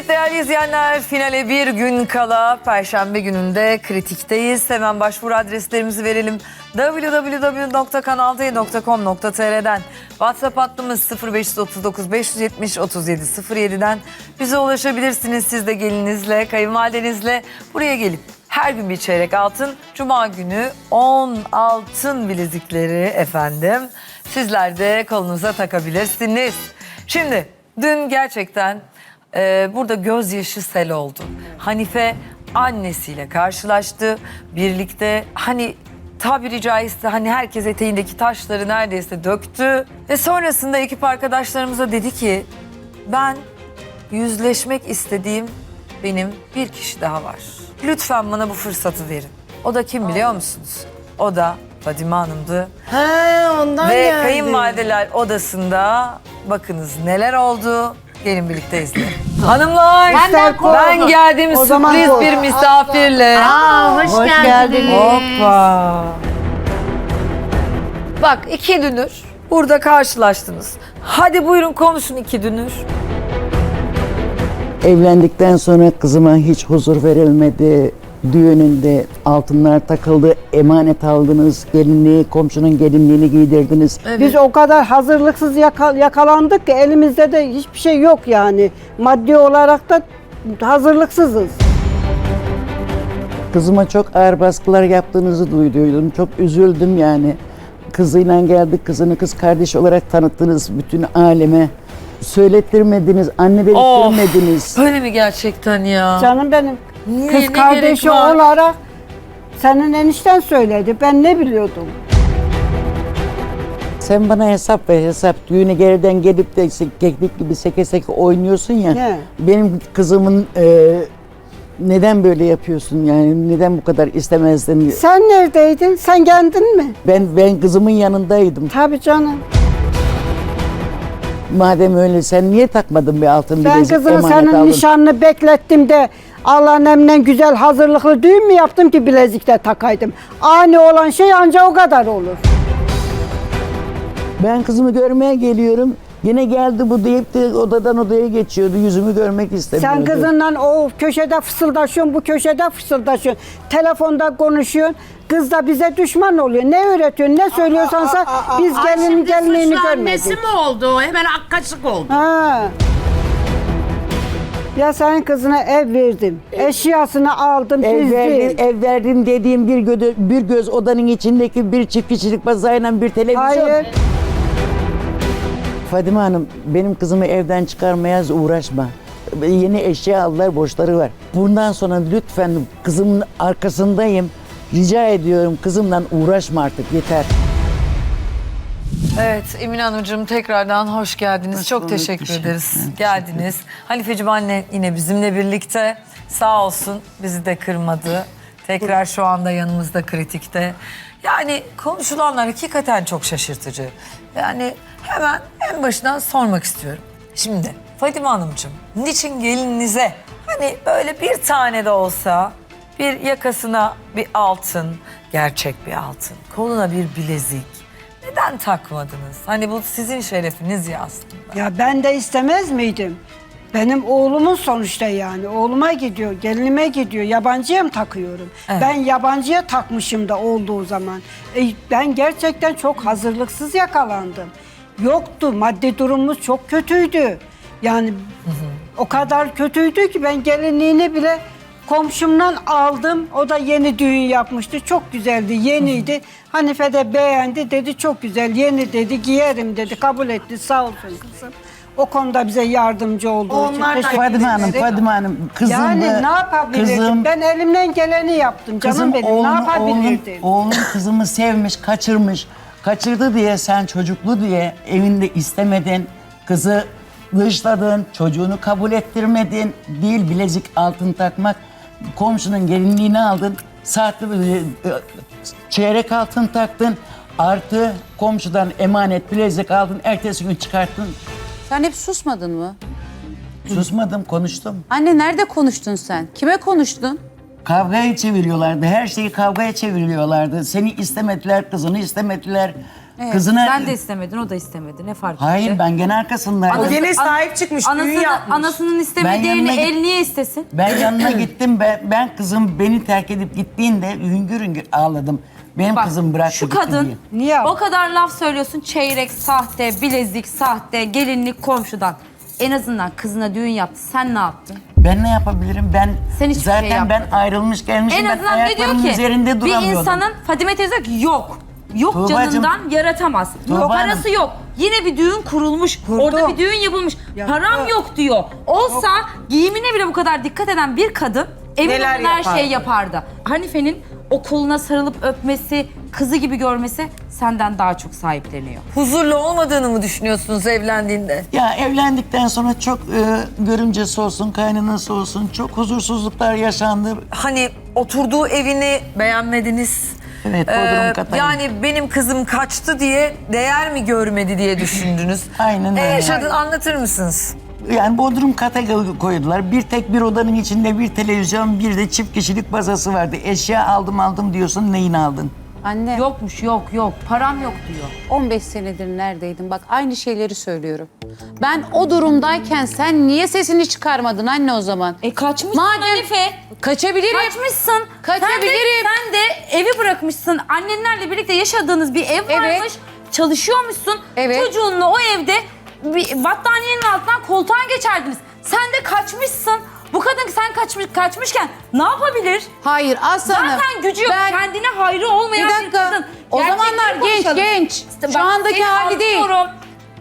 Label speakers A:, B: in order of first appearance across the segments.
A: değerli izleyenler, finale bir gün kala Perşembe gününde Kritik'teyiz. Hemen başvuru adreslerimizi verelim. www.kanalde.com.tr'den WhatsApp hattımız 0539 570 37 07'den bize ulaşabilirsiniz. Siz de gelinizle, kayınvalidenizle buraya gelip her gün bir çeyrek altın, Cuma günü 10 altın bilezikleri efendim. Sizler de kolunuza takabilirsiniz. Şimdi dün gerçekten burada gözyaşı sel oldu. Hanife annesiyle karşılaştı. Birlikte hani tabiri caizse hani herkes eteğindeki taşları neredeyse döktü. Ve sonrasında ekip arkadaşlarımıza dedi ki ben yüzleşmek istediğim benim bir kişi daha var. Lütfen bana bu fırsatı verin. O da kim biliyor musunuz? O da Fadime Hanım'dı.
B: He, ondan
A: Ve
B: geldi.
A: kayınvalideler odasında bakınız neler oldu. Gelin birlikte izleyelim. Hanımlar ben geldim sürpriz bir misafirle.
B: Hoş geldiniz.
A: Hoppa. Bak 2 dünür burada karşılaştınız. Hadi buyurun konuşun 2 dünür.
C: Evlendikten sonra kızıma hiç huzur verilmedi. Düğününde altınlar takıldı, emanet aldınız, gelinliği, komşunun gelinliğini giydirdiniz.
A: Evet.
D: Biz o kadar hazırlıksız yakalandık ki elimizde de hiçbir şey yok yani. Maddi olarak da hazırlıksızız.
C: Kızıma çok ağır baskılar yaptığınızı duyduydum. Çok üzüldüm yani. Kızıyla geldik, kızını kız kardeş olarak tanıttınız bütün aleme. Söylettirmediniz, anne belirttirmediniz.
A: Öyle mi gerçekten ya?
D: Canım benim
A: Niye,
D: kız
A: ne
D: kardeşi
A: gerek var?
D: olarak senin enişten söyledi. Ben ne biliyordum?
C: Sen bana hesap ver, hesap. Düğüne geriden gelip de keklik gibi seke seke oynuyorsun ya.
D: He.
C: Benim kızımın neden böyle yapıyorsun yani? Neden bu kadar istemezdin?
D: Sen neredeydin? Sen geldin mi?
C: Ben kızımın yanındaydım.
D: Tabii canım.
C: Madem öyle sen niye takmadın bir altın
D: Ben
C: bilezik
D: kızımı
C: emanet
D: senin
C: aldın?
D: nişanını beklettim de Allah'ın emriyle güzel hazırlıklı düğün mü yaptım ki bilezikle takaydım? Ani olan şey ancak o kadar olur.
C: Ben kızımı görmeye geliyorum. Yine geldi bu deyip de odadan odaya geçiyordu. Yüzümü görmek istemiyordu.
D: Sen kızınla o köşede fısıldaşıyorsun, bu köşede fısıldaşıyorsun. Telefonda konuşuyorsun. Kız da bize düşman oluyor. Ne öğretiyorsun, ne söylüyorsansa biz gelinin gelinliğini
B: Suçlu
D: görmedik.
B: annesi mi oldu? Hemen akkaşık oldu.
D: Ha. Ya senin kızına ev verdim. Eşyasını aldım, dizdim.
C: Ev verdim dediğim bir göz odanın içindeki bir çift kişilik bazayla bir televizyon.
D: Hayır.
C: Fadime Hanım benim kızımı evden çıkarmaya uğraşma. Yeni eşya aldılar, borçları var. Bundan sonra lütfen kızımın arkasındayım. Rica ediyorum kızımla uğraşma artık yeter.
A: Evet Emine Hanımcığım tekrardan hoş geldiniz. Çok teşekkür ederiz. Geldiniz. Hanifeciğim anne yine bizimle birlikte. Sağ olsun bizi de kırmadı. Tekrar şu anda yanımızda Kritik'te. Yani konuşulanlar hakikaten çok şaşırtıcı. Yani hemen en başından sormak istiyorum. Şimdi Fadime Hanımcığım niçin gelininize hani böyle bir tane de olsa bir yakasına bir altın, gerçek bir altın, koluna bir bilezik neden takmadınız? Hani bu sizin şerefiniz ya aslında.
D: Ya ben de istemez miydim? Benim oğlumun sonuçta yani. Oğluma gidiyor, gelinime gidiyor. Yabancıya mı takıyorum?
A: Evet.
D: Ben yabancıya takmışım da olduğu zaman. Ben gerçekten çok hazırlıksız yakalandım. Yoktu, maddi durumumuz çok kötüydü. Yani o kadar kötüydü ki ben gelinliğini bile komşumdan aldım. O da yeni düğün yapmıştı. Çok güzeldi, yeniydi. Hanife de beğendi. Dedi çok güzel, yeni dedi, giyerim dedi. Kabul etti, sağ olsun kızım. O konuda bize yardımcı olduğu
B: Onlar da
D: için teşekkür
C: Fadime Hanım, kızım
D: Yani ne yapabilirdim? Ben elimden geleni yaptım canım benim. Ne yapabilirdim?
C: Oğlun kızımı sevmiş, kaçırmış. Kaçırdı diye sen çocuklu diye evinde istemedin. Kızı dışladın, çocuğunu kabul ettirmedin. Değil bilezik altın takmak. Komşunun gelinliğini aldın. Saatli çeyrek altın taktın. Artı komşudan emanet bilezik aldın. Ertesi gün çıkarttın.
E: Sen hep susmadın mı?
C: Susmadım, konuştum.
E: Anne nerede konuştun sen? Kime konuştun?
C: Kavgaya çeviriyorlardı. Her şeyi kavgaya çeviriyorlardı. Seni istemediler, kızını istemediler. Kızına...
F: Sen de istemedin, o da istemedi. Ne fark
C: Hayır
F: etti?
C: ben gene arkasındayım.
B: O gene sahip çıkmış, düğün yapmış.
F: Anasının istemediği
C: Ben yanına
F: yerini
C: git-
F: el niye istesin?
C: Ben yanına gittim. Ben kızım beni terk edip gittiğinde hüngür hüngür ağladım. Benim
F: Bak,
C: kızım bıraktı
F: şu
C: gitti
F: kadın
C: diye.
D: Niye?
F: o kadar laf söylüyorsun. Çeyrek, sahte, bilezik, sahte, gelinlik komşudan. En azından kızına düğün yaptı. Sen ne yaptın?
C: Ben ne yapabilirim? Ben
F: Sen hiçbir şey
C: zaten ben
F: yapmadın.
C: ayrılmış gelmişim.
F: En
C: Ben
F: azından ne diyor
C: ayaklarımın
F: ki?
C: üzerinde
F: Bir
C: duramıyordum.
F: insanın Fadime teyze diyor ki yok. Yok
C: Tuğbacığım,
F: canından yaratamaz.
C: Tuğba
F: Parası
C: Hanım.
F: yok. Yine bir düğün kurulmuş. Orada bir düğün yapılmış. Param yok diyor. Olsa giyimine bile bu kadar dikkat eden bir kadın emin
B: Neler
F: olun her
B: yapardı?
F: şey yapardı. Hanife'nin o koluna sarılıp öpmesi, kızı gibi görmesi senden daha çok sahipleniyor.
A: Huzurlu olmadığını mı düşünüyorsunuz evlendiğinde?
C: Ya evlendikten sonra çok görümcesi olsun, kaynanası olsun çok huzursuzluklar yaşandı.
A: Hani oturduğu evini beğenmediniz.
C: Evet, Bodrum Katay'ın.
A: Yani benim kızım kaçtı diye değer mi görmedi diye düşündünüz.
C: Aynen
A: Ne
C: öyle.
A: yaşadın anlatır mısınız?
C: Yani Bodrum kata koydular. Bir tek bir odanın içinde bir televizyon, bir de çift kişilik bazası vardı. Eşya aldım diyorsun, neyini aldın?
E: Anne
F: Yokmuş yok. Param yok diyor.
E: 15 senedir neredeydin? Bak aynı şeyleri söylüyorum. Ben o durumdayken sen niye sesini çıkarmadın anne o zaman?
F: Kaçmışsın
E: Madem-
F: Hanife.
E: Kaçabilirim.
F: Kaçmışsın.
E: Kaçabilirim.
F: Sen de evi bırakmışsın. Annenlerle birlikte yaşadığınız bir ev
E: Evet.
F: varmış. Çalışıyormuşsun.
E: Evet.
F: Çocuğunla o evde bir battaniyenin altından koltuğa geçerdiniz. Sen de kaçmışsın. Bu kadın sen kaçmışken ne yapabilir?
E: Hayır aslanım.
F: Zaten gücü yok.
E: Ben-
F: Kendine hayrı olmayan
E: Bir
F: bir,
E: dakika.
F: kadın.
E: O
F: Gerçekleri
E: zamanlar
F: konuşalım.
E: genç.
F: Bak,
E: Şu andaki
F: seni
E: hali değil.
F: anlıyorum.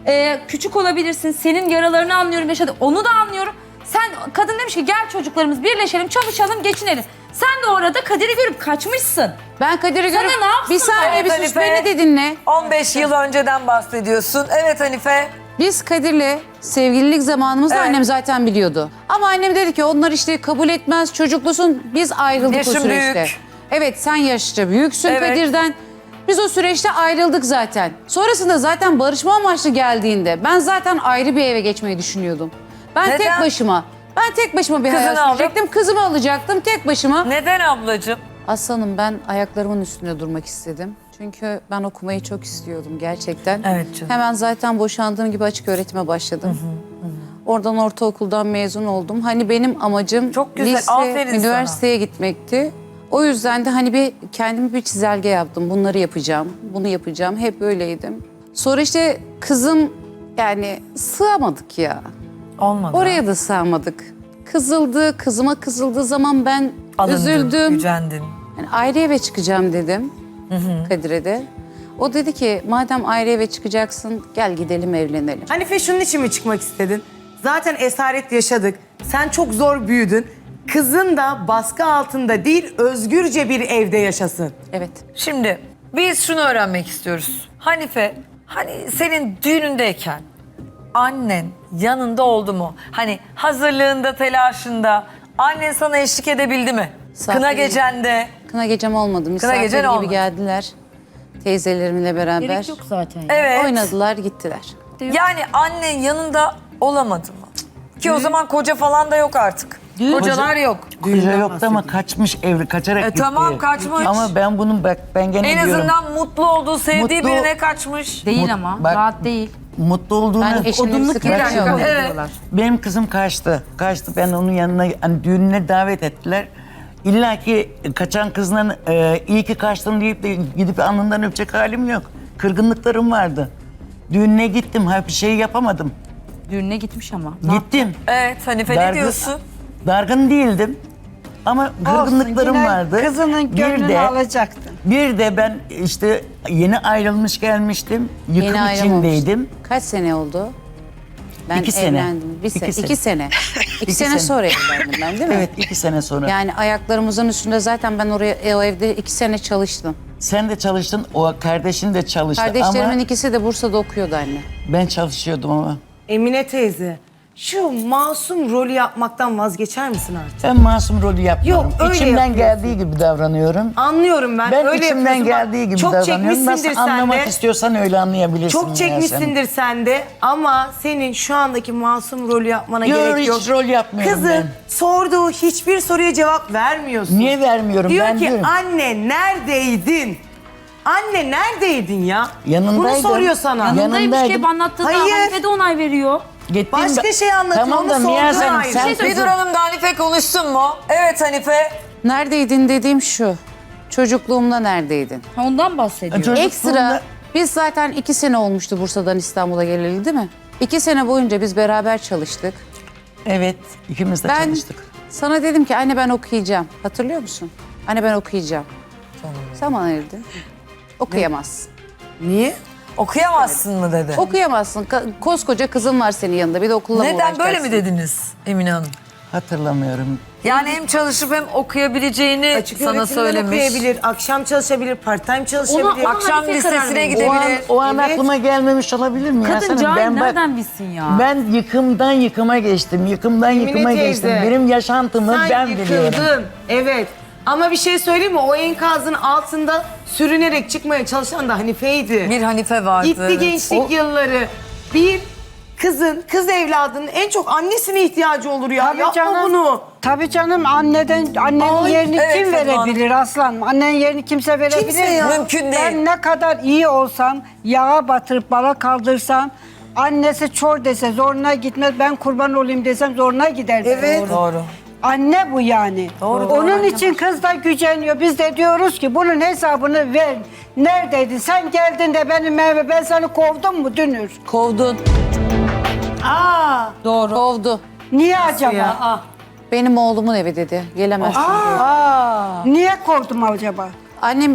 F: Küçük olabilirsin. Senin yaralarını anlıyorum, yaşadım. Onu da anlıyorum. Sen kadın demiş ki gel çocuklarımız birleşelim, çalışalım, geçinelim. Sen de orada Kadir'i görüp kaçmışsın.
E: Ben Kadir'i
F: Sana
E: görüp...
F: ne yapsın
E: Bir saniye bir
A: Hanife?
E: sus beni de dinle.
A: 15 yıl önceden bahsediyorsun. Evet Hanife.
E: Biz Kadir'le sevgililik zamanımızda
A: Evet.
E: annem zaten biliyordu. Ama annem dedi ki onlar işte kabul etmez, çocuklusun. Biz ayrıldık
A: Yaşın
E: o süreçte.
A: büyük.
E: Evet sen yaşça büyüksün
A: Evet.
E: Kadir'den. Biz o süreçte ayrıldık zaten. Sonrasında zaten barışma amaçlı geldiğinde ben zaten ayrı bir eve geçmeyi düşünüyordum. Ben
A: Neden?
E: tek başıma. Ben tek başıma bir
A: Kızını
E: hayat
A: alıp-
E: sürecektim. Kızımı alacaktım tek başıma.
A: Neden ablacığım?
E: Aslanım ben ayaklarımın üstünde durmak istedim. Çünkü ben okumayı çok istiyordum gerçekten.
A: Evet canım.
E: Hemen zaten boşandığım gibi açık öğretime başladım. Oradan ortaokuldan mezun oldum. Hani benim amacım
A: Çok güzel,
E: lise,
A: aferin sana.
E: üniversiteye gitmekti. O yüzden de hani bir kendime bir çizelge yaptım. Bunları yapacağım, bunu yapacağım. Hep öyleydim. Sonra işte kızım yani sığamadık ya.
A: Olmadı.
E: Oraya da sığamadık. Kızıldı, kızıma kızıldığı zaman ben
A: Alındın,
E: üzüldüm.
A: gücendin.
E: Yani ayrı eve çıkacağım dedim Kadir'e de. O dedi ki madem ayrı eve çıkacaksın gel gidelim evlenelim.
B: Hanife şunun için mi çıkmak istedin? Zaten esaret yaşadık. Sen çok zor büyüdün. Kızın da baskı altında değil, özgürce bir evde yaşasın.
E: Evet.
A: Şimdi biz şunu öğrenmek istiyoruz. Hanife, hani senin düğünündeyken annen yanında oldu mu? Hani hazırlığında, telaşında annen sana eşlik edebildi mi?
E: Sağ
A: Kına
E: olun.
A: gecende.
E: Kına gecem olmadı. Misafir
A: gecen
E: gibi
A: olmadı.
E: geldiler. Teyzelerimle beraber.
F: Gerek yok zaten.
A: Evet.
E: Oynadılar gittiler.
A: Yani annen yanında olamadı mı? Ki o zaman koca falan da yok artık. Kocalar yok.
C: Koca yoktu ama kaçmış evli, kaçarak gitti.
A: tamam, kaçmış.
C: Ama ben bunun bak ben gene
A: En
C: diyorum.
A: azından mutlu olduğu, sevdiği
C: Mutlu-
A: birine kaçmış.
F: Değil ama.
C: Bak-
F: Rahat değil.
C: Mutlu olduğunu...
E: Ben eşimle bir
F: Odunluk
E: sıkıntı
F: yeri
E: yok.
F: yok.
A: Evet.
F: Diyorlar.
C: Benim kızım kaçtı. Kaçtı. Ben onun yanına hani düğününe davet ettiler. İlla ki kaçan kızla iyi ki kaçtın deyip de gidip alnından öpecek halim yok. Kırgınlıklarım vardı. Düğününe gittim. Bir şey yapamadım.
F: Düğününe gitmiş ama.
C: Gittim.
A: Evet Hanife ne diyorsun?
C: Dargın değildim. Ama kırgınlıklarım
D: Olsun, yine
C: vardı.
D: Kızının gönlünü alacaktın.
C: Bir de ben işte yeni ayrılmış gelmiştim. Yıkım
E: Yeni ayrılmamış.
C: içindeydim.
E: Kaç sene oldu? Ben
C: 2 sene.
E: evlendim. Bir sene.
C: 2
E: 2 sene. 2
C: 2
E: sene
C: sene.
E: sonra evlendim ben değil mi?
C: Evet 2 sene sonra.
E: Yani ayaklarımızın üstünde zaten ben oraya o evde 2 sene çalıştım.
C: Sen de çalıştın, o kardeşin de çalıştı
E: Kardeşlerimin
C: ama
E: ikisi de Bursa'da okuyordu anne.
C: ben çalışıyordum ama.
B: Emine teyze, şu masum rolü yapmaktan vazgeçer misin artık?
C: Ben masum rolü yapmıyorum.
B: Yok, öyle
C: İçimden
B: yapıyorsun.
C: geldiği gibi davranıyorum.
B: Anlıyorum ben.
C: Ben
B: öyle
C: içimden
B: yapıyorsun. Bak,
C: geldiği gibi
B: çok
C: davranıyorum.
B: çekmişsindir
C: Nasıl anlamak
B: sen de.
C: istiyorsan öyle anlayabilirsin.
B: Çok çekmişsindir sen de ama senin şu andaki masum rolü yapmana
C: Yok,
B: gerek
C: hiç
B: yok.
C: rol yapmıyorum
B: Kızın
C: ben.
B: sorduğu hiçbir soruya cevap vermiyorsun.
C: Niye vermiyorum?
B: Diyor
C: Ben
B: ki
C: diyorum.
B: anne neredeydin? Anne neredeydin ya?
C: Yanındaydım.
B: Bunu soruyor sana.
F: Yanındaymış ki hep
C: Yanındaydım.
F: anlattığında
B: Hayır.
F: Hanife de onay veriyor.
C: Gittim
B: Başka şey anlatıyor,
C: Tamam da
B: onu
C: Miyaz
B: sorduğun
C: Hanım
B: ayrı.
C: sen
F: Bir şey
A: Bir Hanım da Hanife konuşsun mu? Evet Hanife.
E: Neredeydin dediğim şu. Çocukluğumda neredeydin?
F: Ondan bahsediyor.
C: Çocukluğumda-
E: Ekstra biz zaten 2 sene olmuştu Bursa'dan İstanbul'a geleli değil mi? 2 sene boyunca biz beraber çalıştık.
C: Evet, ikimiz de
E: Ben
C: çalıştık.
E: sana dedim ki anne ben okuyacağım. Hatırlıyor musun? Anne ben okuyacağım. Sen bana ne dedin? Okuyamazsın.
B: Niye?
A: Okuyamazsın mı dedi.
E: Okuyamazsın. Koskoca kızın var senin yanında. Bir de okulla mı
A: Neden böyle
E: uğraşacaksın?
A: mi dediniz Emine Hanım?
C: Hatırlamıyorum.
A: Yani hem çalışıp hem okuyabileceğini
B: Açık
A: sana
B: öğretimden
A: söylemiş.
B: okuyabilir, akşam çalışabilir, part-time çalışabilir.
F: Onu-
A: Akşam
F: Hanife karar
A: lisesine
F: veriyor.
A: gidebilir.
C: O an
B: Evet.
C: aklıma gelmemiş olabilir mi?
F: Kadın
C: Yasemin?
F: cahil
C: bak-
F: nereden bilsin ya?
C: Ben yıkımdan yıkıma geçtim. Yıkımdan yıkıma
B: teyze,
C: geçtim. Benim yaşantımı
B: Sen
C: ben biliyorum.
B: yıkıldın. Evet. Ama bir şey söyleyeyim mi? O enkazın altında sürünerek çıkmaya çalışan da Hanife'ydi.
A: Bir Hanife vardı.
B: Gitti
A: evet.
B: gençlik yılları. Bir kız evladının en çok annesine ihtiyacı olur ya. Yapma bunu.
D: Tabii canım annenin
B: Ay,
D: yerini
A: evet
D: kim
A: Fatma Hanım.
D: verebilir aslanım? Annenin yerini kimse verebilir
B: Kimse
D: mi?
B: ya.
A: Mümkün değil.
D: Ben ne kadar iyi olsam, yağa batırıp bala kaldırsam, annesi çor dese zoruna gitmez, ben kurban olayım desem zoruna gider.
B: Evet.
A: Doğru.
D: Anne bu yani.
A: Doğru,
D: Onun
A: doğru.
D: için kız da güceniyor. Biz de diyoruz ki bunun hesabını ver. Neredeydin? Sen geldin de benim eve ben seni kovdum mu Dünür?
E: Kovdun.
B: Aa.
E: Doğru. Kovdu.
D: Niye acaba?
B: Ya.
E: Benim oğlumun evi dedi. Gelemezsin diyor.
D: Niye kovdum acaba?
E: Annem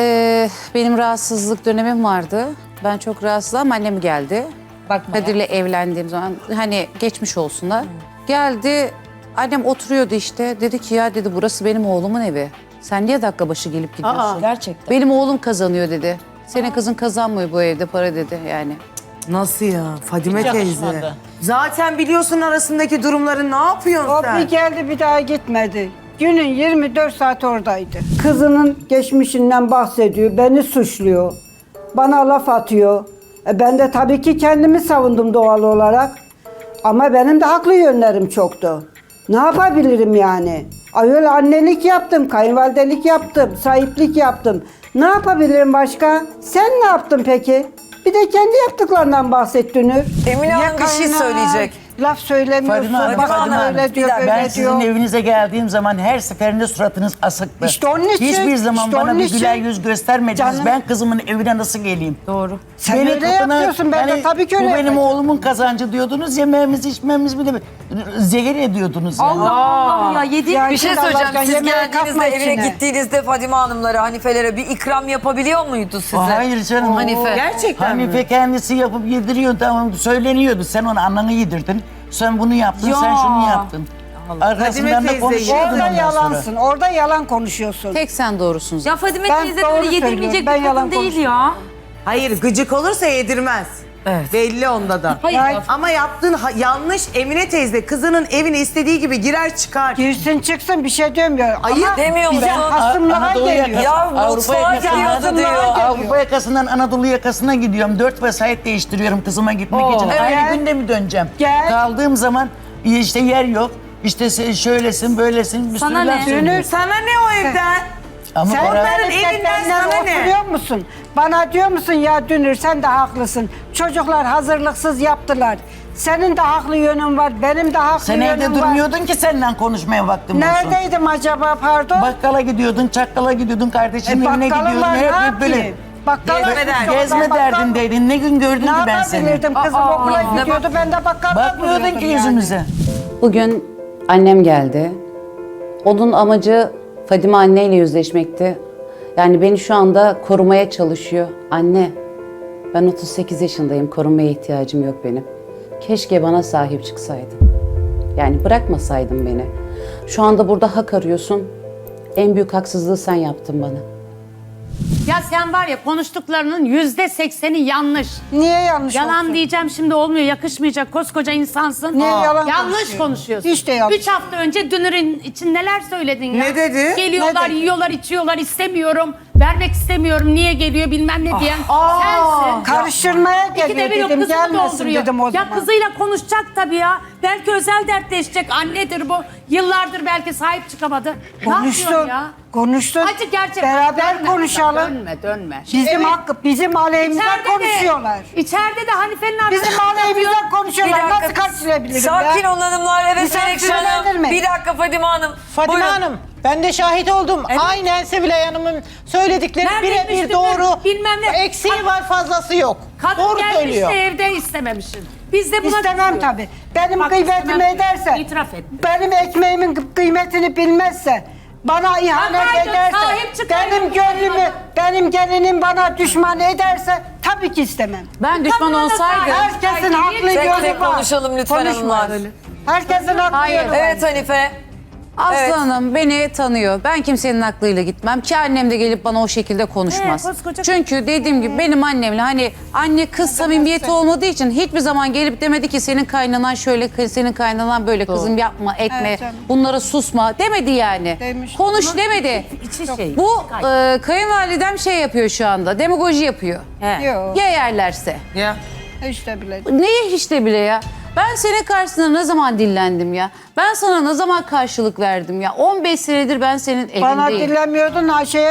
E: benim rahatsızlık dönemim vardı. Ben çok rahatsızım. Annem geldi. Kadir'le evlendiğim zaman hani geçmiş olsunlar. Geldi. Annem oturuyordu işte. Dedi ki ya dedi burası benim oğlumun evi. Sen niye dakika başı gelip gidiyorsun?
F: Gerçekten.
E: Benim oğlum kazanıyor dedi. Senin kızın kazanmıyor bu evde para dedi yani.
B: Nasıl ya? Fadime teyze.
C: yakışmadı.
B: Zaten biliyorsun arasındaki durumları, ne yapıyorsun
D: O
B: sen?
D: bir geldi bir daha gitmedi. Günün 24 saat oradaydı. Kızının geçmişinden bahsediyor, beni suçluyor. Bana laf atıyor. Ben de tabii ki kendimi savundum doğal olarak. Ama benim de haklı yönlerim çoktu. Ne yapabilirim yani? Öyle annelik yaptım, kayınvalidelik yaptım, sahiplik yaptım. Ne yapabilirim başka? Sen ne yaptın peki? Bir de kendi yaptıklarından bahset Dünür.
A: Emine Hanım bir şey
D: kayına
A: söyleyecek.
D: Laf söylemiyorsun.
C: Fadime Hanım,
D: Bak
C: Fadime Hanım,
D: öyle diyor,
A: bir dakika,
C: Ben
D: böyle
C: sizin
D: diyor.
C: evinize geldiğim zaman her seferinde suratınız asıktı.
D: İşte onun için,
C: Hiçbir zaman
D: işte
C: bana
D: onun
C: bir
D: için.
C: güler yüz göstermediniz.
D: Canım.
C: Ben kızımın evine nasıl geleyim?
F: Doğru.
D: Sen öyle yapıyorsun, ben de tabii ki öyle
C: Bu benim
D: yapacağım.
C: oğlumun kazancı diyordunuz. Yemeğimiz içmemiz bile zehir ediyordunuz yani.
F: Allah Allah ya yedi.
D: Ya
A: Bir şey
D: Şimdi
A: söyleyeceğim.
D: Allah'tan
A: Siz
D: yemeğe
A: geldiğinizde
D: kalkma
A: evine
D: içine.
A: gittiğinizde Fadime Hanımlara, Hanifelere bir ikram yapabiliyor muydu size?
C: Hayır canım.
A: Hanife.
B: Gerçekten mi?
C: Hanife kendisi yapıp yediriyor, tamam söyleniyordu. Sen onu ananı yedirdin. Sen bunu yaptın,
F: Ya.
C: sen şunu yaptın. Arkasından
B: Fadime
C: da
B: teyze,
C: konuşuyordun
D: Orada
C: ondan sonra.
D: yalansın, orada yalan konuşuyorsun.
E: Tek sen doğrusun.
F: Ya Fadime
D: Ben
F: teyze
D: doğru
F: böyle
D: söylüyorum,
F: yedirmeyecek
D: ben
F: bir kadın
D: yalan
F: değil
D: konuşmuyorum.
F: ya.
B: Hayır, gıcık olursa yedirmez.
A: Evet.
B: Belli onda da.
F: Hayır.
D: Ya-
B: Ama yaptığın yanlış. Emine teyze kızının evine istediği gibi girer çıkar.
D: Girsin çıksın bir şey demiyor.
B: Ayıp
D: Ama
A: demiyor
D: bize
A: musun?
D: hasımlığa
C: Anadolu
D: geliyor.
C: yakası-
A: Ya
C: Avrupa
A: mutfağa
C: yakasından-
A: giriyordu diyor.
C: Avrupa yakasından Anadolu yakasına gidiyorum. 4 vesayet değiştiriyorum kızıma gitmek için.
A: evet.
C: Aynı günde mi döneceğim?
D: Gel.
C: Kaldığım zaman işte yer yok. İşte şöylesin, böylesin. Bir
F: Sana
C: sürü
F: ne?
C: laf söylüyor.
B: Sana ne o evden?
C: Ama
D: Sen
C: para...
B: Onların
D: benim
B: evinden
D: seninle
B: sana ne?
D: oturuyor musun? Bana diyor musun ya Dünür sen de haklısın. Çocuklar hazırlıksız yaptılar. Senin de haklı yönün var, benim de haklı
C: Sen
D: yönüm
C: evde
D: var.
C: durmuyordun ki seninle konuşmaya vaktim olsun.
D: Neredeydim acaba pardon?
C: Bakkala gidiyordun, çakkala gidiyordun, kardeşinin evine
D: bakkalım
C: gidiyordun.
D: var, ne
C: Hep böyle
D: yapayım? Bakkala
C: gezme derdindeydin. Ne gün gördün
D: Ne
C: ki ben seni?
D: yapabilirdim? Kızım okula gidiyordu, ben de bakkalda
C: Bakmıyordun
D: duruyordum
C: ki
D: yani.
C: yüzümüze.
E: Bugün annem geldi. Onun amacı Fadime anneyle yüzleşmekti. Yani beni şu anda korumaya çalışıyor. Anne, ben 38 yaşındayım, korumaya ihtiyacım yok benim. Keşke bana sahip çıksaydın. Yani bırakmasaydın beni. Şu anda burada hak arıyorsun. En büyük haksızlığı sen yaptın bana.
G: Ya sen var ya konuştuklarının %80'i yanlış.
D: Niye yanlış
G: Yalan
D: olsun?
G: diyeceğim şimdi olmuyor, yakışmayacak, koskoca insansın.
D: Niye yalan
G: Yanlış
D: konuşuyor?
G: konuşuyorsun.
D: Hiç de yanlış.
G: 3 hafta önce Dünür'ün için neler söyledin ya?
B: Ne dedi?
G: Geliyorlar,
D: Ne dedi?
G: yiyorlar, içiyorlar, istemiyorum. Vermek istemiyorum, niye geliyor bilmem ne diyen sensin.
D: Karıştırmaya
G: İkide
D: geliyor
G: bir yok
D: dedim,
G: kızını
D: gelmesin
G: dolduruyor.
D: dedim o
G: Ya
D: zaman.
G: kızıyla konuşacak tabii ya. Belki özel dertleşecek. Annedir bu. Yıllardır belki sahip çıkamadı. Ne yapıyorsun
D: Konuştun,
G: ya?
D: konuştun.
G: Acı gerçek.
D: Beraber
G: Dönme,
D: konuşalım.
G: Dönme.
D: Bizim hakkı, bizim aleyhimize konuşuyorlar.
G: İçeride de Hanife'nin arkasında
D: Bizim aleyhimize
A: Bir
D: konuşuyorlar.
A: dakika.
D: Nasıl karşılayabilirim
A: Sakin
D: ya?
A: olun hanımlar. Evet
D: Misafir
A: Melekşe Hanım.
D: yönlendirme.
A: Bir dakika Fadime Hanım.
H: Fadime
A: Buyurun.
H: Hanım, ben de şahit oldum. Aynen Sevilay Hanım'ın söyledikleri
G: Neredeymiş
H: birebir
G: de
H: doğru.
G: bilmem ne.
H: Eksiği var, fazlası yok.
G: Kadın
H: Doğru
G: gelmiş
H: söylüyor.
G: de evde istememişsin. Biz de buna
D: İstemem
G: kızıyoruz.
D: tabii. Benim
G: Bak,
D: kıymetimi
G: istemem.
D: ederse,
G: İtiraf et.
D: benim ekmeğimin kıymetini bilmezse, bana ihanet
G: Bakaydın,
D: ederse,
G: sahip çıkaydın.
D: benim gönlümü, benim gelinim bana düşman ederse tabii ki istemem.
E: Ben düşman
G: Kadına da
E: olsaydım.
D: Herkesin haklı
A: Tek
D: yönü
A: tek
D: var.
A: konuşalım lütfen
D: Konuşma
A: hanımlar.
D: öyle. Herkesin haklı
E: Hayır.
D: yönü var.
A: Evet Hanife.
E: Aslı
A: Evet.
E: Hanım beni tanıyor. Ben kimsenin aklıyla gitmem ki annem de gelip bana o şekilde konuşmaz.
G: koskoca-
E: Çünkü dediğim gibi benim annemle hani anne kız samimiyeti olmadığı için hiçbir zaman gelip demedi ki senin kaynanan şöyle, senin kaynanan böyle kızım yapma, etme,
D: Evet canım.
E: bunlara susma demedi yani.
D: Demiş.
E: Konuş demedi.
G: İçi şey.
E: Bu kayınvalidem şey yapıyor şu anda, demagoji yapıyor.
D: Yok,
E: Ya yerlerse.
A: Ya.
D: işte bile.
E: Neyi hiç de bile ya? Ben senin karşısında ne zaman dillendim ya? Ben sana ne zaman karşılık verdim ya? 15 senedir ben senin
D: Bana
E: evindeyim.
D: dinlemiyordun,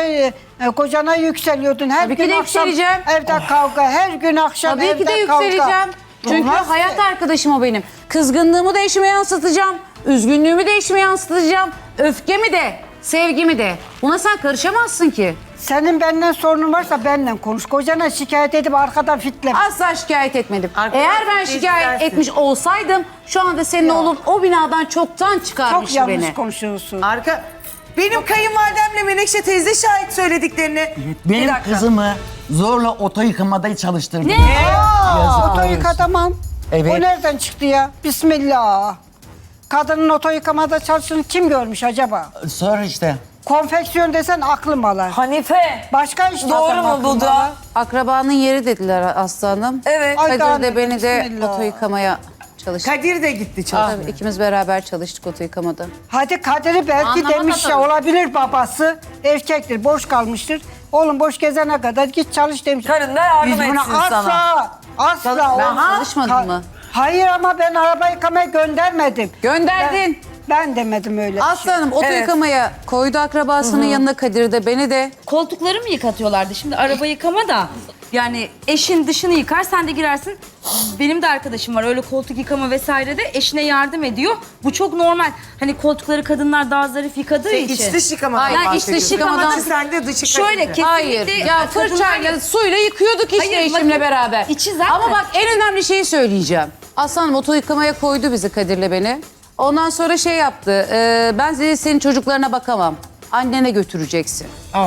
D: kocana yükseliyordun. Her
E: Tabii ki
D: gün
E: de
D: akşam
E: yükseleceğim.
D: evde kavga, her gün akşam
E: Tabii
D: evde
E: ki de
D: kavga.
E: yükseleceğim. Çünkü
D: Olmaz ki.
E: hayat arkadaşım o benim. Kızgınlığımı da eşime yansıtacağım. Üzgünlüğümü de eşime yansıtacağım. Öfkemi de, sevgimi de. Buna sen karışamazsın ki.
D: Senin benden sorunun varsa benimle konuş. Kocana şikayet edip arkadan fitleme.
E: Asla şikayet etmedim.
B: Arkadaş
E: Eğer ben
B: değiştirersin.
E: şikayet etmiş olsaydım şu anda senin oğlun o binadan çoktan
D: Çok
E: çıkarmıştı
D: yanlış
E: beni.
D: konuşuyorsun.
B: Benim kayınvalidemle Menekşe teyze şahit söylediklerini.
C: Benim
A: dakika.
C: kızımı zorla oto yıkamada çalıştırdım.
F: Ne?
C: Yazıklar
D: Oto
C: olsun.
D: yıkatamam.
C: Evet.
D: O nereden çıktı ya? Bismillah. Kadının oto yıkamada çalıştığını kim görmüş acaba?
C: Sor işte.
D: Konfeksiyon desen aklım alır.
A: Hanife.
D: Başka iş
A: Doğru
D: desem
A: mu bu
D: aklım
A: da?
D: alır.
E: Akrabanın yeri dediler Aslı Hanım.
A: Evet.
D: Ay,
E: Kadir de beni de
D: bismillah.
E: oto yıkamaya çalıştı.
B: Kadir de gitti çalışmaya.
E: Tabii, ikimiz beraber çalıştık oto yıkamada.
D: Hadi Kadir'i belki
G: Anlamadı
D: demiş ya
G: tabii.
D: olabilir babası. Erkektir, boş kalmıştır. Oğlum boş gezene kadar git çalış demiş.
A: Karın da yardım
D: Biz buna
A: etsin
D: asla,
A: sana.
D: asla
E: Ben
D: olmaz.
E: çalışmadım mı?
D: Hayır ama ben araba yıkamaya göndermedim.
E: Gönderdin.
D: Ben demedim öyle bir
E: Aslı
D: şey.
E: Hanım oto
A: Evet.
E: yıkamaya koydu akrabasının yanına Kadir de beni de.
F: Koltukları mı yıkatıyorlardı? Şimdi araba yıkama da yani eşin dışını yıkar sen de girersin. Benim de arkadaşım var öyle koltuk yıkama vesaire de eşine yardım ediyor. Bu çok normal. Hani koltukları kadınlar daha zarif yıkadığı için.
B: İç dış yıkamadan
E: Hayır, iç dış
B: bahsediyorsun.
E: yıkamadan-
B: İçi sende dışı
F: Şöyle
B: Kadir'de.
F: kesinlikle
E: Hayır. Ya fırçayla,
F: kadınlar-
E: suyla yıkıyorduk işte
F: Hayır,
E: eşimle
F: bakın,
E: beraber.
F: içi zaten-
E: Ama bak en önemli şeyi söyleyeceğim. Aslı Hanım oto yıkamaya koydu bizi Kadir'le beni. Ondan sonra şey yaptı. Ben senin çocuklarına bakamam. Annene götüreceksin.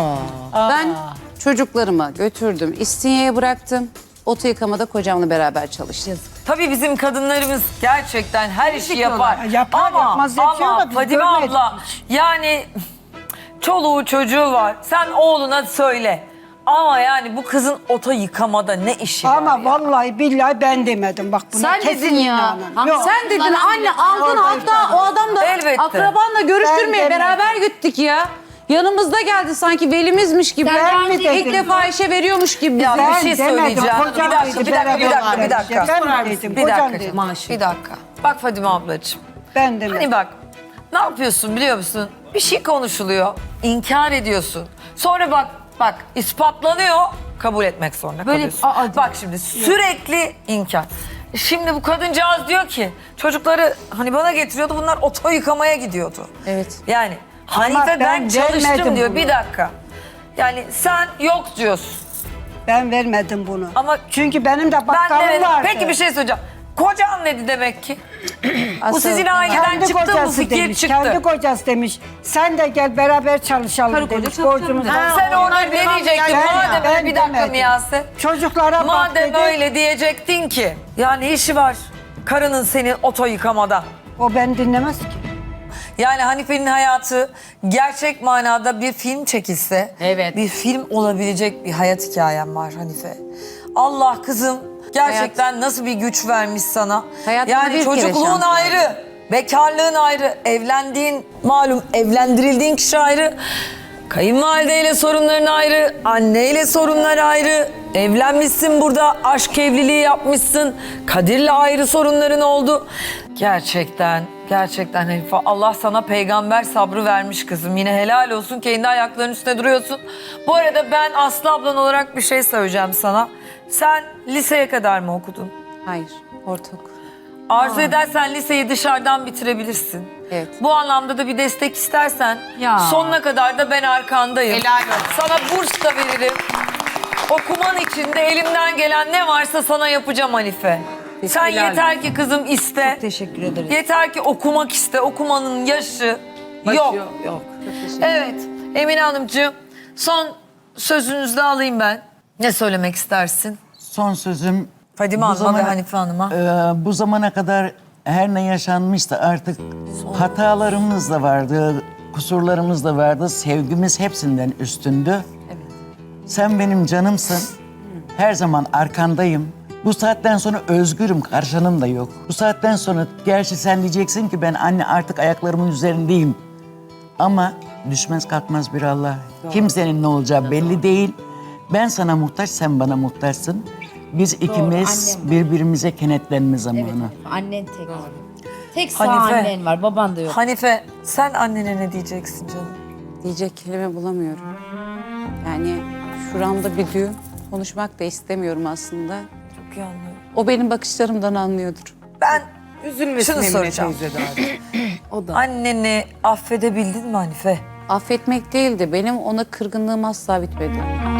E: Ben çocuklarımı götürdüm. İstinye'ye bıraktım. Oto yıkamada kocamla beraber çalıştım.
A: Tabii bizim kadınlarımız gerçekten her işi yapar.
D: Yapar, yapmaz diye bir şey yok da biz
A: Fadime
D: görmedik
A: abla yani çoluğu çocuğu var. Sen oğluna söyle. Ama yani bu kızın oto yıkamada ne işi var
D: Ama
A: ya?
D: vallahi billahi ben demedim. Bak buna
E: Sen
D: kesin
E: dedin ya.
D: inanın. Yok.
E: Sen dedin anne aldın hatta o adam da
A: Elbette.
E: akrabanla görüştürmeye
D: Ben
E: beraber gittik ya. Yanımızda geldi sanki velimizmiş gibi.
D: Ben mi
E: İlk
D: dedim?
E: defa işe veriyormuş gibi.
A: Ya
E: bize.
A: bir şey söyleyeceğim.
D: Kocam
A: Bir dakika,
D: dedi,
A: bir dakika, bir dakika,
D: beraber
A: bir dakika.
D: Ben mi dedim?
A: Bir
D: Kocam
A: dakika,
D: dedi.
A: bir dakika. Bak Fadime ablacığım.
D: Ben demedim.
A: Hani bak ne yapıyorsun biliyor musun? Bir şey konuşuluyor, inkar ediyorsun. Sonra bak ispatlanıyor, kabul etmek zorunda
F: Böyle-
A: kalıyorsun. Bak şimdi sürekli inkar. Şimdi bu kadıncağız diyor ki çocukları hani bana getiriyordu bunlar oto yıkamaya gidiyordu.
E: Evet.
A: Yani Hanife ben
D: ben
A: çalıştım
D: vermedim
A: diyor
D: bunu.
A: bir dakika. Yani sen yok diyorsun.
D: Ben vermedim bunu.
A: Ama
D: Çünkü benim de
A: Ben
D: bakkalım
A: de
D: vardı.
A: peki bir şey söyleyeceğim. Kocan dedi demek ki. Bu
E: Aslı-
A: sizin aileden
D: Kendi
A: çıktı bu
D: kocası
A: fikir
D: demiş.
A: çıktı.
D: Kendi kocası demiş. Sen de gel beraber çalışalım
F: Karı koca
D: demiş.
F: çalışalım
D: Borcumuz
F: dedi.
D: var.
A: Sen orada ne diyecektin?
D: Ben-
A: Madem
D: ben
A: öyle bir dakika
D: demedim.
A: Miyase.
D: Çocuklara bak
A: Madem
D: dedi.
A: öyle diyecektin ki. Ya ne işi var karının senin oto yıkamada?
D: O beni dinlemez ki.
A: Yani Hanife'nin hayatı gerçek manada bir film çekilse...
G: Evet.
A: ...bir film olabilecek bir hayat hikayem var Hanife. Allah kızım gerçekten nasıl bir güç vermiş sana.
E: Hayatta
A: Yani
E: bir kere
A: çocukluğun
E: şans var.
A: ayrı, bekarlığın ayrı, evlendiğin malum evlendirildiğin kişi ayrı. Kayınvalideyle sorunların ayrı, anneyle sorunlar ayrı. Evlenmişsin burada, aşk evliliği yapmışsın. Kadir'le ayrı sorunların oldu. Gerçekten Hanife, Allah sana peygamber sabrı vermiş kızım. Yine helal olsun, kendi ayaklarının üstüne duruyorsun. Bu arada ben Aslı ablan olarak bir şey söyleyeceğim sana. Sen liseye kadar mı okudun?
E: Hayır, ortaokul.
A: Arzu edersen liseyi dışarıdan bitirebilirsin.
E: Evet.
A: Bu anlamda da bir destek istersen
F: Ya.
A: sonuna kadar da ben arkandayım.
H: Helal olsun.
A: Sana burs da veririm. Okuman için de elimden gelen ne varsa sana yapacağım Hanife. Sen yeter ki kızım iste.
F: Çok teşekkür ederiz.
A: Yeter ki okumak iste. Okumanın yaşı yok. Evet Emine Hanımcığım, son sözünüzü de alayım ben. Ne söylemek istersin?
C: Son sözüm...
A: Fadime
C: bu
A: Hanım'a ve
C: zamana-
A: Hanife Hanım'a.
C: Bu zamana kadar her ne yaşanmışsa artık hatalarımız da vardı, kusurlarımız da vardı. Sevgimiz hepsinden üstündü. Sen benim canımsın. Her zaman arkandayım. Bu saatten sonra özgürüm, karşınım da yok. Bu saatten sonra gerçi sen diyeceksin ki ben anne artık ayaklarımın üzerindeyim. Ama düşmez kalkmaz bir Allah. Kimsenin ne olacağı belli değil. Ben sana muhtaç, sen bana muhtaçsın. Biz ikimiz birbirimize kenetlenme zamanı.
F: Annen tek. Tek sağ
A: Hanife.
F: annen var, baban da yok.
A: Hanife, sen annene ne diyeceksin canım?
E: Diyecek kelime bulamıyorum. Yani şuramda bir düğüm. Konuşmak da istemiyorum aslında.
A: Çok iyi anlıyorum.
E: O benim bakışlarımdan anlıyordur.
A: Ben
B: Üzülmesin
A: şunu
B: Emine
A: soracağım.
B: teyze de abi.
A: Anneni affedebildin mi Hanife?
E: Affetmek değil de benim ona kırgınlığım asla bitmedi.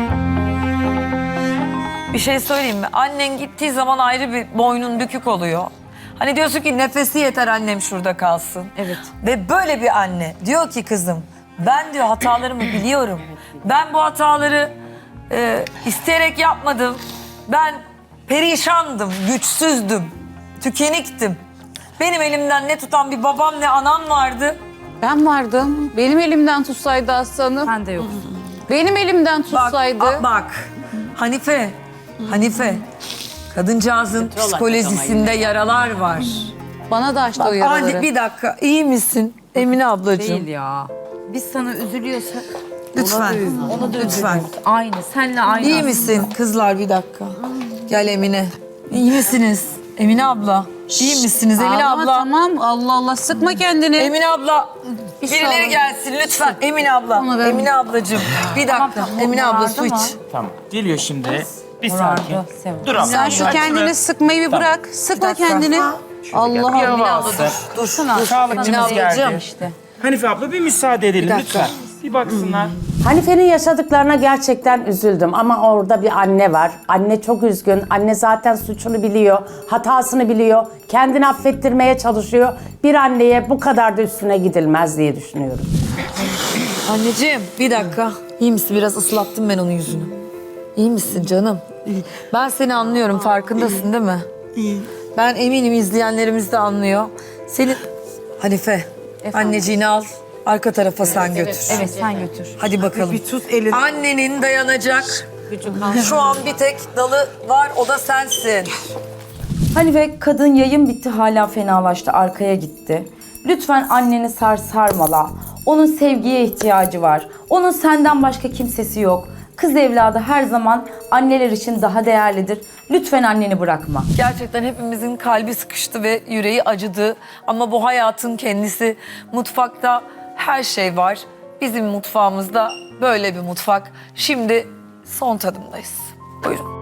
A: Bir şey söyleyeyim mi? Annen gittiği zaman ayrı bir boynun bükük oluyor. Hani diyorsun ki nefesi yeter annem şurada kalsın.
F: Evet.
A: Ve böyle bir anne diyor ki kızım ben diyor hatalarımı biliyorum. Ben bu hataları isteyerek yapmadım. Ben perişandım, güçsüzdüm, tükeniktim. Benim elimden ne tutan bir babam ne anam vardı.
E: Ben vardım. Benim elimden tutsaydı aslanım.
F: Sen de yoksun.
E: Benim elimden
A: Bak,
E: tutsaydı.
A: bak Hanife, kadıncağızın psikolojisinde yaralar var.
E: Bana da açtı o
A: Hadi
E: yaraları.
A: bir dakika, iyi misin Emine ablacığım?
F: Değil ya. Biz sana üzülüyorsak
A: Lütfen,
F: ona da
A: lütfen.
F: üzülüyoruz. Aynı, senle aynı.
A: İyi
F: aslında.
A: misin kızlar bir dakika? Gel Emine. İyi misiniz? Emine abla. İyi misiniz Emine
E: Ağlama,
A: abla?
E: tamam. Allah Allah sıkma kendini.
A: Emine abla. Birileri gelsin lütfen. Emine abla. Emine ablacığım. Bir dakika. Emine abla su iç.
I: Tamam. Geliyor şimdi. Bir sakin.
F: Sev.
I: Dur abla.
E: Sen şu
I: Aç
E: kendini
I: şunu.
E: sıkmayı bir bırak. Sıkma
A: dakika.
E: kendini. Allah
I: Bir
E: Allah.
I: hava alsın.
A: Dur.
I: Sağlıkçımız
A: Emine ablacığım.
I: geldi. Hanife abla bir müsaade edelim lütfen. Bir baksınlar.
J: Hanife'nin yaşadıklarına gerçekten üzüldüm ama orada bir anne var. Anne çok üzgün. Anne zaten suçunu biliyor, hatasını biliyor. Kendini affettirmeye çalışıyor. Bir anneye bu kadar da üstüne gidilmez diye düşünüyorum.
A: Anneciğim bir dakika. İyi misin? Biraz ıslattım ben onun yüzünü. İyi misin canım? Ben seni anlıyorum. Farkındasın değil mi? Ben eminim izleyenlerimiz de anlıyor. Senin... Hanife, anneciğini al. Arka tarafa sen götür.
F: Evet, sen götür.
A: Hadi bakalım.
B: Bir tut elini.
A: Annenin dayanacak. Şu an bir tek dalı var, o da sensin.
K: Hanife, kadın yayın bitti hala fenalaştı, arkaya gitti. Lütfen anneni sarmala. Onun sevgiye ihtiyacı var. Onun senden başka kimsesi yok. Kız evladı her zaman anneler için daha değerlidir. Lütfen anneni bırakma.
A: Gerçekten hepimizin kalbi sıkıştı ve yüreği acıdı. Ama bu hayatın kendisi. Mutfakta her şey var. Bizim mutfağımızda böyle bir mutfak. Şimdi son tadımdayız. Buyurun.